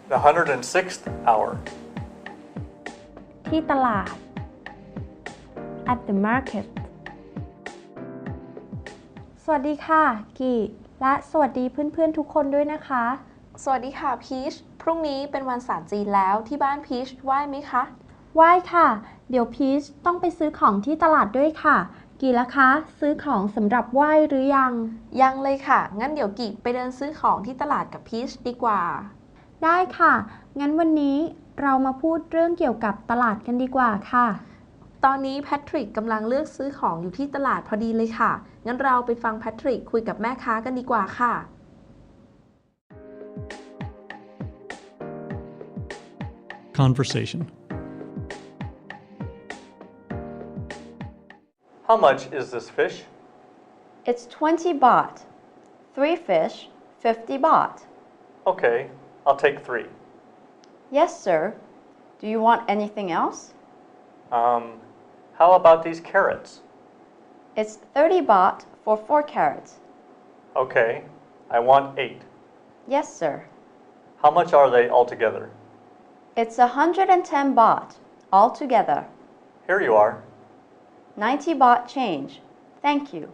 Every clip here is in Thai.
The 106th hour. ที่ตลาด at the market สวัสดีค่ะกีและสวัสดีเพื่อนๆทุกคนด้วยนะคะสวัสดีค่ะพีชพรุ่งนี้เป็นวันศาสตร์จีนแล้วที่บ้านพีชไหว้ไหมคะไหว้ค่ะเดี๋ยวพีชต้องไปซื้อของที่ตลาดด้วยค่ะกีละคะซื้อของสำหรับไหว้หรือยังเลยค่ะงั้นเดี๋ยวกีไปเดินซื้อของที่ตลาดกับพีชดีกว่าได้ค่ะงั้นวันนี้เรามาพูดเรื่องเกี่ยวกับตลาดกันดีกว่าค่ะตอนนี้แพทริกกำลังเลือกซื้อของอยู่ที่ตลาดพอดีเลยค่ะงั้นเราไปฟังแพทริกคุยกับแม่ค้ากันดีกว่าค่ะ Conversation. How much is this fish? It's 20 baht. 3 fish, 50 baht. Okay, I'll take 3. Yes, sir. Do you want anything else? How about these carrots? It's 30 baht for 4 carrots. Okay, I want 8. Yes, sir. How much are they altogether? It's 110 baht altogether. Here you are. 90 baht change. Thank you.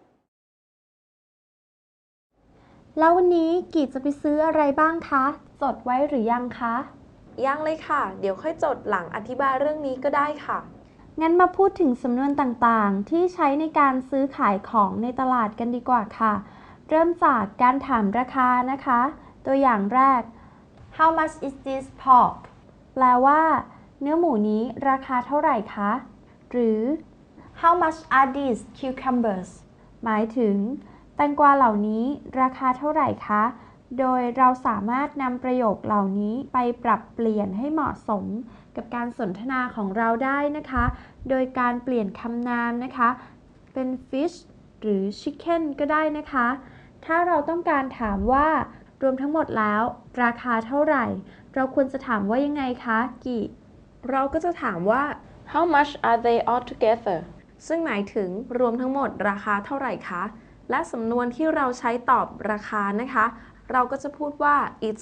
แล้ววันนี้กีจะไปซื้ออะไรบ้างคะจดไว้หรือยังคะยังเลยค่ะเดี๋ยวค่อยจดหลังอธิบายเรื่องนี้ก็ได้ค่ะงั้นมาพูดถึงสำนวนต่างๆที่ใช้ในการซื้อขายของในตลาดกันดีกว่าค่ะเริ่มจากการถามราคานะคะตัวอย่างแรก How much is this pork แปลว่าเนื้อหมูนี้ราคาเท่าไหร่คะหรือ How much are these cucumbers หมายถึงแตงกวาเหล่านี้ราคาเท่าไหร่คะโดยเราสามารถนำประโยคเหล่านี้ไปปรับเปลี่ยนให้เหมาะสมกับการสนทนาของเราได้นะคะโดยการเปลี่ยนคำนามนะคะเป็น fish หรือ chicken ก็ได้นะคะถ้าเราต้องการถามว่ารวมทั้งหมดแล้วราคาเท่าไหร่เราควรจะถามว่ายังไงคะกิเราก็จะถามว่า How much are they all together ซึ่งหมายถึงรวมทั้งหมดราคาเท่าไหร่คะและสำนวนที่เราใช้ตอบราคานะคะเราก็จะพูดว่า it's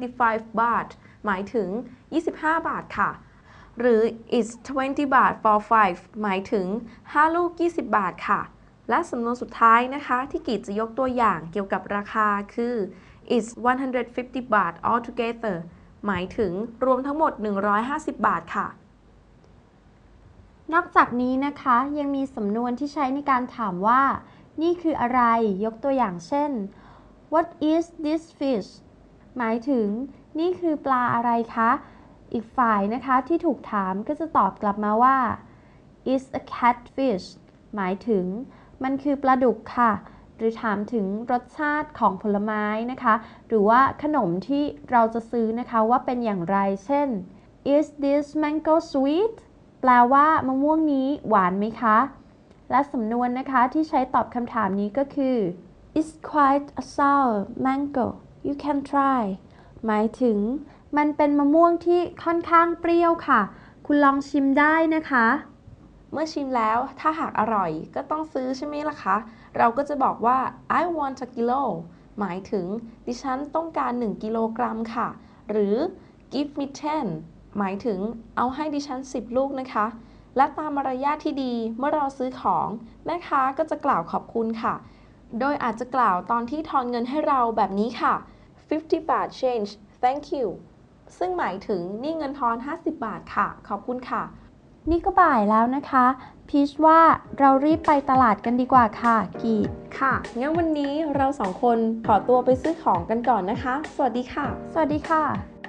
25 baht หมายถึง25 บาทค่ะหรือ it's 20 baht for 5 หมายถึง5 ลูก 20 บาทค่ะและสำนวนสุดท้ายนะคะที่กีจะยกตัวอย่างเกี่ยวกับราคาคือ it's 150 baht altogether หมายถึงรวมทั้งหมด150 บาทค่ะนอกจากนี้นะคะยังมีสำนวนที่ใช้ในการถามว่านี่คืออะไรยกตัวอย่างเช่น What is this fish หมายถึงนี่คือปลาอะไรคะอีกฝ่ายนะคะที่ถูกถามก็จะตอบกลับมาว่า It's a catfish หมายถึงมันคือปลาดุกค่ะหรือถามถึงรสชาติของผลไม้นะคะหรือว่าขนมที่เราจะซื้อนะคะว่าเป็นอย่างไรเช่น Is this mango sweet แปลว่ามะม่วงนี้หวานไหมคะและสำนวนนะคะที่ใช้ตอบคำถามนี้ก็คือ It's quite a sour mango you can try หมายถึงมันเป็นมะม่วงที่ค่อนข้างเปรี้ยวค่ะคุณลองชิมได้นะคะเมื่อชิมแล้วถ้าหากอร่อยก็ต้องซื้อใช่ไหมล่ะคะเราก็จะบอกว่า I want a kilo หมายถึงดิฉันต้องการ1 กิโลกรัมค่ะหรือ give me 10 หมายถึงเอาให้ดิฉัน10 ลูกนะคะและตามมารยาทที่ดีเมื่อเราซื้อของแม่ค้าก็จะกล่าวขอบคุณค่ะโดยอาจจะกล่าวตอนที่ทอนเงินให้เราแบบนี้ค่ะ50 baht change thank you ซึ่งหมายถึงนี่เงินทอน50 บาทค่ะขอบคุณค่ะนี่ก็บ่ายแล้วนะคะพีชว่าเรารีบไปตลาดกันดีกว่าค่ะกีค่ะงั้นวันนี้เรา2 คนขอตัวไปซื้อของกันก่อนนะคะสวัสดีค่ะสวัสดีค่ะ